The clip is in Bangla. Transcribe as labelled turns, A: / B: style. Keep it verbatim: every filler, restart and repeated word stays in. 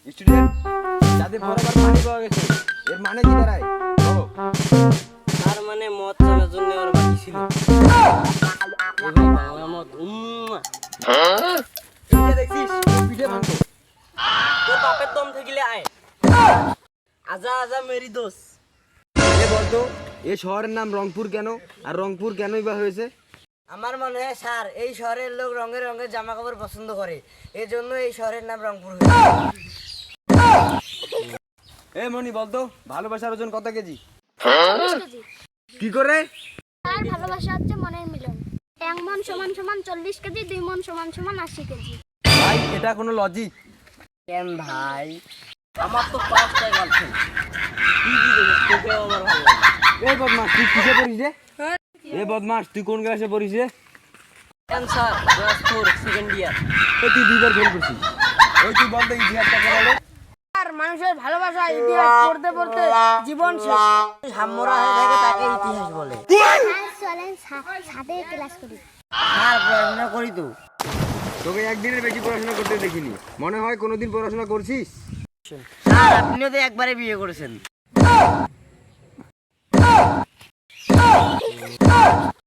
A: স্টুডেন্ট, যাদের বরাবর পানি পাওয়া গেছে এর মানে কি দাঁড়ায় বলো?
B: তার মানে মদ চালার জন্য ওর বাকি ছিল। এই ভাই বাংলা মদ উম্মা।
A: এইটা দেখছিস পিঠে ভাঙতো।
B: তোর বাপের দম থাকিলে আয়। আজা আজা মেরি দোস।
A: এ বলতো এই শহরের নাম রংপুর কেন, আর রংপুর কেনই বা হয়েছে?
B: আমার মনে হয় স্যার এই শহরের লোক রঙের রঙের জামা কাপড় পছন্দ করে, এই জন্য এই শহরের নাম রংপুর হয়েছে।
A: এ মনি বলতো ভালোবাসার ওজন কত কেজি?
C: চল্লিশ কেজি।
A: কি করে?
C: আর ভালোবাসা হচ্ছে মনের মিলন। এক মন সমান সমান চল্লিশ কেজি, দুই মন সমান সমান আশি কেজি।
A: ভাই এটা কোনো লজিক?
B: কেন ভাই, আমার তো পাঁচটা গার্লফ্রেন্ড। কি কি দেখিস, তোকেও আমার ভালো লাগে।
A: এই বদমাস তুই কিসে পড়িস রে? এ বদমাস তুই কোন ক্লাসে পড়িস রে?
B: কেন sir, class four second year.
A: এ তুই দুইবার ফেল করছিস। ওই তুই বলতো ইতিহাসটা বলো।
D: আর মানুষের ভালোবাসা ইতিহাস পড়তে পড়তে জীবন শেষ।
B: হাম্মরা হয়ে থাকে তাকে ইতিহাস বলে।
C: চলেন ছাদে ক্লাস করি।
B: স্যার পড়াশোনা করি তো।
A: তোকে একদিনের বেশি পড়াশোনা করতে দেখিনি, মনে হয় কোনোদিন পড়াশোনা করছিস?
B: স্যার আপনিও তো একবারে বিয়ে করেছেন।